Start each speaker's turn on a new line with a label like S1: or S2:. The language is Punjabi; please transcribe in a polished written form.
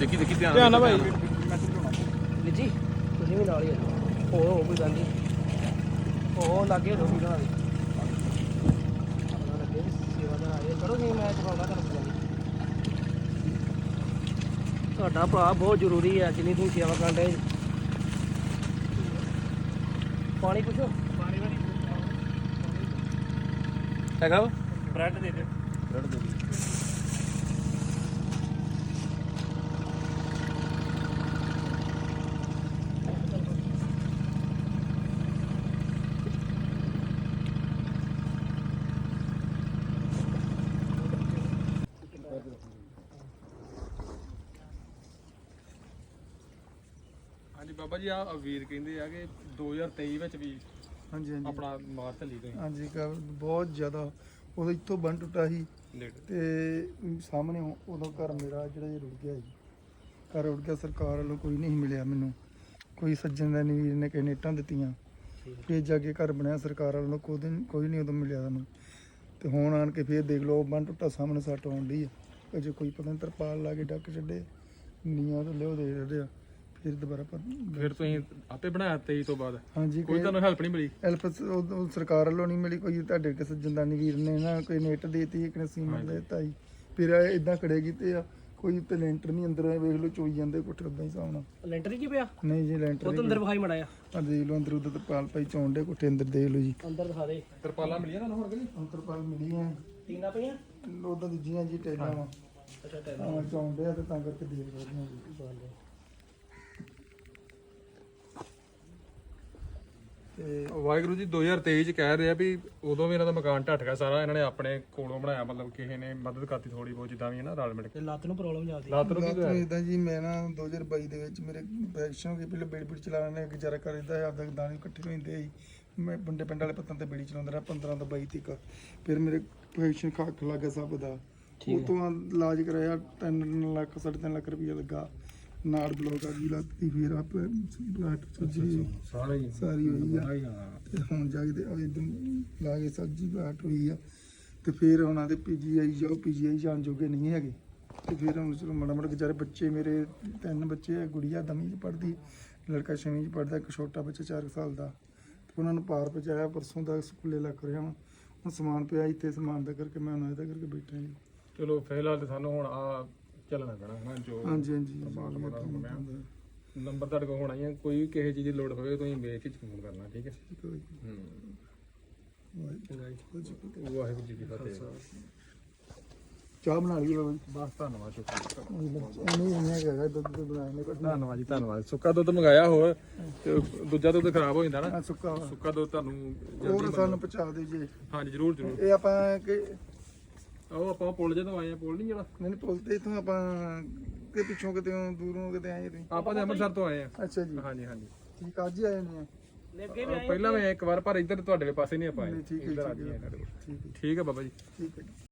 S1: ਦੇਖੀ ਦੇਖੀ ਧਿਆਨ
S2: ਧਿਆਨ ਨਾਲ ਭਾਈ
S3: ਵੀਰ ਜੀ ਤੁਸੀਂ ਵੀ ਨਾਲ ਹੀ ਆ ਉਹ ਕੋਈ ਗੱਲ ਨਹੀਂ ਉਹ ਲਾਗੇ ਰੋਟੀ ਬਣਾ ਦੇ ਆਪਣਾ ਲੱਗੇ ਸੇਵਾਦਾਰ ਆਏ ਕਰੋ ਨਹੀਂ ਮੈਂ ਚੁਕਾਉਂਦਾ ਤੁਹਾਨੂੰ ਕੋਈ ਗੱਲ ਨਹੀਂ ਤੁਹਾਡਾ ਭਰਾ ਬਹੁਤ ਜ਼ਰੂਰੀ ਹੈ ਜਿੰਨੀ ਤੁਸੀਂ ਸੇਵਾ ਕਰਨ ਦੇ ਪਾਣੀ ਪੁੱਛੋ
S1: ਹੈਗਾ
S2: ਬ੍ਰੈਡ ਦੇ ਦੇ
S1: ਬ੍ਰੈਡ ਦੇ ਹਾਂਜੀ ਬਾਬਾ ਜੀ ਆ ਵੀਰ ਕਹਿੰਦੇ ਆ ਕਿ 2023 ਵਿੱਚ ਵੀ
S4: ਹਾਂਜੀ ਹਾਂਜੀ
S1: ਆਪਣਾ ਮਾਰ ਝੱਲੀ ਤੁਸੀਂ
S4: ਹਾਂਜੀ ਬਹੁਤ ਜ਼ਿਆਦਾ ਉਦੋਂ ਇੱਥੋਂ ਬੰਨ ਟੁੱਟਾ ਸੀ
S1: ਲੇਟ
S4: ਤੇ ਸਾਹਮਣੇ ਉਦੋਂ ਘਰ ਮੇਰਾ ਜਿਹੜਾ ਇਹ ਰੁੜ ਗਿਆ ਸੀ ਘਰ ਰੁੜ ਗਿਆ ਸਰਕਾਰ ਵੱਲੋਂ ਕੋਈ ਨਹੀਂ ਮਿਲਿਆ ਮੈਨੂੰ ਕੋਈ ਸੱਜਣ ਦਾ ਨਹੀਂ ਵੀਰ ਨੇ ਕਿਸੇ ਨੇਟਾਂ ਦਿੱਤੀਆਂ ਫੇਰ ਜਾ ਕੇ ਘਰ ਬਣਿਆ ਸਰਕਾਰ ਵੱਲੋਂ ਕੋਈ ਨਹੀਂ ਉਦੋਂ ਮਿਲਿਆ ਸਾਨੂੰ ਤੇ ਹੁਣ ਆਣ ਕੇ ਫੇਰ ਦੇਖ ਲਓ ਬੰਨ ਟੁੱਟਾ ਸਾਹਮਣੇ ਸੱਟ ਆਉਣ ਡਈ ਆ ਅਜੇ ਕੋਈ ਪਤਾ ਨਹੀਂ ਤਰਪਾਲ ਲਾ ਕੇ ਡੱਕ ਛੱਡੇ ਨੀਆਂ ਤੋਂ ਲਿਓ ਦੇ ਰਹੇ ਆ ਫਿਰ ਦੁਬਾਰਾ
S1: ਫਿਰ ਤੁਸੀਂ ਆਪੇ ਬਣਾਇਆ 23 ਤੋਂ ਬਾਅਦ
S4: ਹਾਂਜੀ
S1: ਕੋਈ ਤੁਹਾਨੂੰ ਹੈਲਪ ਨਹੀਂ ਮਿਲੀ
S4: ਹੈਲਪ ਸਰਕਾਰ ਵੱਲੋਂ ਨਹੀਂ ਮਿਲੀ ਕੋਈ ਤੁਹਾਡੇ ਕਿਸੇ ਜੰਦਾਨੀ ਵੀਰ ਨੇ ਨਾ ਕੋਈ ਨੈਟ ਦੇਤੀ ਇੱਕ ਨੇ ਸੀਮੈਂਟ ਦੇਤਾ ਜੀ ਫਿਰ ਇਦਾਂ ਖੜੇ ਕੀਤੇ ਆ ਕੋਈ ਤੇ ਲੈਂਟਰ ਨਹੀਂ ਅੰਦਰ ਵੇਖ ਲਓ ਚੋਈ ਜਾਂਦੇ ਕੋਠੇ ਉਦਾਂ ਹੀ ਸਾਉਣਾ
S3: ਲੈਂਟਰ ਕੀ ਪਿਆ
S4: ਨਹੀਂ ਜੀ ਲੈਂਟਰ
S3: ਉਹ ਤਾਂ ਅੰਦਰ ਵਿਖਾਈ ਮੜਾ
S4: ਆ ਦੇਖ ਲਓ ਅੰਦਰ ਉਧਰ ਤਰਪਾਲ ਪਾਈ ਚੌਂਡੇ ਕੋਠੇ ਅੰਦਰ ਦੇਖ ਲਓ ਜੀ
S3: ਅੰਦਰ ਦਿਖਾ ਦੇ
S1: ਤਰਪਾਲਾਂ ਮਿਲੀਆਂ ਤੁਹਾਨੂੰ ਹੋਰ ਕਿ ਨਹੀਂ
S4: ਤਰਪਾਲ ਮਿਲੀ ਆ
S3: ਟੀਨਾ ਪਈਆਂ
S4: ਉਦਾਂ ਦੂਜੀਆਂ ਜੀ ਟੈਲਾਂ ਵਾ
S3: ਅੱਛਾ ਟੈਲ
S4: ਚੌਂਡੇ ਆ ਤੇ ਤਾਂ ਕਰਕੇ ਦੇਖ ਰਹੇ ਜੀ ਤੇ
S1: ਵਾਹਿਗੁਰੂ ਜੀ 2023 ਚ ਕਹਿ ਰਿਹਾ ਵੀ ਉਦੋਂ ਵੀ ਇਹਨਾਂ ਦਾ ਮਕਾਨ ਢੱਠ ਗਿਆ ਸਾਰਾ ਇਹਨਾਂ ਨੇ ਆਪਣੇ ਕੋਲੋਂ ਬਣਾਇਆ ਮਤਲਬ ਕਿਸੇ ਨੇ ਮਦਦ ਕਰਤੀ ਥੋੜੀ ਬਹੁਤ ਜਿੱਦਾਂ ਵੀ ਹੈ ਨਾ ਰਲ ਮਿਲ ਕੇ
S3: ਤੇ ਲੱਤ ਨੂੰ ਪ੍ਰੋਬਲਮ ਜਾਂਦੀ
S1: ਲੱਤ ਨੂੰ ਕੀ ਹੋਇਆ
S4: ਇਦਾਂ ਜੀ ਮੈਂ ਨਾ 2022 ਦੇ ਵਿੱਚ ਮੇਰੇ ਇਨਫੈਕਸ਼ਨ ਹੋ ਗਈ ਪਹਿਲੇ ਬੇੜੀ ਬੇੜੀ ਚਲਾਉਣ ਨੇ ਗੁਜ਼ਾਰਾ ਕਰਦਾ ਆਪਦਾ ਦਾਣੇ ਇਕੱਠੇ ਹੋ ਜਾਂਦੇ ਸੀ ਮੈਂ ਬੰਦੇ ਪਿੰਡ ਵਾਲੇ ਪੱਤਾਂ ਤੇ ਬੇੜੀ ਚਲਾਉਂਦਾ ਰਿਹਾ 15 ਤੋਂ 22 ਤੱਕ ਫਿਰ ਮੇਰੇ ਇਨਫੈਕਸ਼ਨ ਖੱਖ ਲੱਗ ਗਿਆ ਸਭ ਦਾ ਉਹ ਤੋਂ ਬਾਅਦ ਇਲਾਜ ਕਰਾਇਆ 3 ਲੱਖ 3.5 ਲੱਖ ਰੁਪਇਆ ਲੱਗਾ ਨਾੜ ਬਲੋਕ ਆ ਗਈ ਲੱਤ ਦੀ ਫਿਰ ਆਪ ਬਲੱਡ ਸਰਜਰੀ ਸਾਰੀ ਹੋਈ ਆ ਤੇ ਹੁਣ ਜਾ ਕੇ ਇਦਾਂ ਲਾ ਕੇ ਸਰਜਰੀ ਬਲੱਡ ਹੋਈ ਆ ਤੇ ਫਿਰ ਉਹਨਾਂ ਦੇ ਪੀਜੀਆਈ ਜਾਓ ਪੀਜੀਆਈ ਜਾਣ ਜੋਗੇ ਨਹੀਂ ਹੈਗੇ ਤੇ ਫਿਰ ਹੁਣ ਚਲੋ ਮਾੜਾ ਮਾੜਾ ਵਿਚਾਰੇ ਬੱਚੇ ਮੇਰੇ 3 ਬੱਚੇ ਆ ਗੁੜੀਆ 10ਵੀਂ 'ਚ ਪੜ੍ਹਦੀ ਲੜਕਾ 6ਵੀਂ 'ਚ ਪੜ੍ਹਦਾ ਇੱਕ ਛੋਟਾ ਬੱਚਾ 4 ਸਾਲ ਦਾ ਤੇ ਉਹਨਾਂ ਨੂੰ ਪਾਰ ਪਹੁੰਚਾਇਆ ਪਰਸੋਂ ਦਾ ਸਕੂਲੇ ਲੱਗ ਰਿਹਾ ਵਾਂ ਹੁਣ ਸਮਾਨ ਪਿਆ ਇੱਥੇ ਸਮਾਨ ਦਾ ਕਰਕੇ ਮੈਂ ਉਹਨਾਂ ਦਾ ਕਰਕੇ ਬੈਠਾ ਜੀ
S1: ਚਲੋ ਫਿਲਹਾਲ ਤੇ ਸਾਨੂੰ ਹੁਣ ਆ ਚੱਲਣਾ ਪੈਣਾ ਹੈ ਨਾ ਜੋ
S4: ਹਾਂਜੀ ਹਾਂਜੀ
S1: ਨੰਬਰ ਤੁਹਾਡੇ ਕੋਲ ਹੋਣਾ ਹੀ ਹੈ ਕੋਈ ਵੀ ਕਿਸੇ ਚੀਜ਼ ਦੀ ਲੋੜ ਹੋਵੇ ਤੁਸੀਂ ਬੇਝਿਜਕ ਫੋਨ ਕਰਨਾ ਠੀਕ ਹੈ ਵਾਹਿਗੁਰੂ ਜੀ ਕੀ ਫਤਿਹ
S4: ਚਾਹ ਬਣਾ ਲਈ ਬਾਬਾ ਜੀ
S1: ਬਸ ਧੰਨਵਾਦ ਸ਼ੁਕਰੀਆ
S4: ਨਹੀਂ ਹੈਗਾ ਦੁੱਧ ਬਣਾਇਆ ਨੇ
S1: ਧੰਨਵਾਦ ਜੀ ਧੰਨਵਾਦ ਸੁੱਕਾ ਦੁੱਧ ਮੰਗਾਇਆ ਹੋਰ ਤੇ ਦੂਜਾ ਦੁੱਧ ਖਰਾਬ ਹੋ ਜਾਂਦਾ ਨਾ
S4: ਸੁੱਕਾ
S1: ਸੁੱਕਾ ਦੁੱਧ ਤੁਹਾਨੂੰ
S4: ਹੋਰ ਸਾਨੂੰ ਪਹੁੰਚਾ ਦਿਓ ਜੀ
S1: ਹਾਂਜੀ ਜਰੂਰ ਜਰੂਰ
S4: ਇਹ ਆਪਾਂ ਕਿ
S1: ਉਹ ਆਪਾਂ ਪੁੱਲ ਜਦੋਂ ਆਏ ਆ ਪੁੱਲ ਨਹੀਂ ਜਿਹੜਾ
S4: ਨਹੀਂ ਪੁੱਲਦੇ ਇਥੋਂ ਆਪਾਂ ਕਿ ਪਿੱਛੋਂ ਕਿਤੇ ਦੂਰੋਂ ਕਿਤੇ ਆਏ ਤੁਸੀਂ
S1: ਆਪਾਂ ਤੇ ਅੰਮ੍ਰਿਤਸਰ ਤੋਂ ਆਏ ਆ
S4: ਅੱਛਾ ਜੀ
S1: ਹਾਂਜੀ ਹਾਂਜੀ
S4: ਠੀਕ ਅੱਜ ਹੀ ਆਏ ਨੇ
S1: ਪਹਿਲਾਂ ਮੈਂ ਇੱਕ ਵਾਰ ਪਰ ਇੱਧਰ ਤੁਹਾਡੇ ਪਾਸੇ ਨਹੀਂ ਆਪਾਂ ਆਏ
S4: ਠੀਕ ਹੈ
S1: ਇੱਧਰ ਆ
S4: ਠੀਕ
S1: ਜੀ
S4: ਹੈ
S1: ਸਾਡੇ ਕੋਲ।
S4: ਠੀਕ ਹੈ
S1: ਠੀਕ ਹੈ ਬਾਬਾ ਜੀ
S4: ਠੀਕ ਹੈ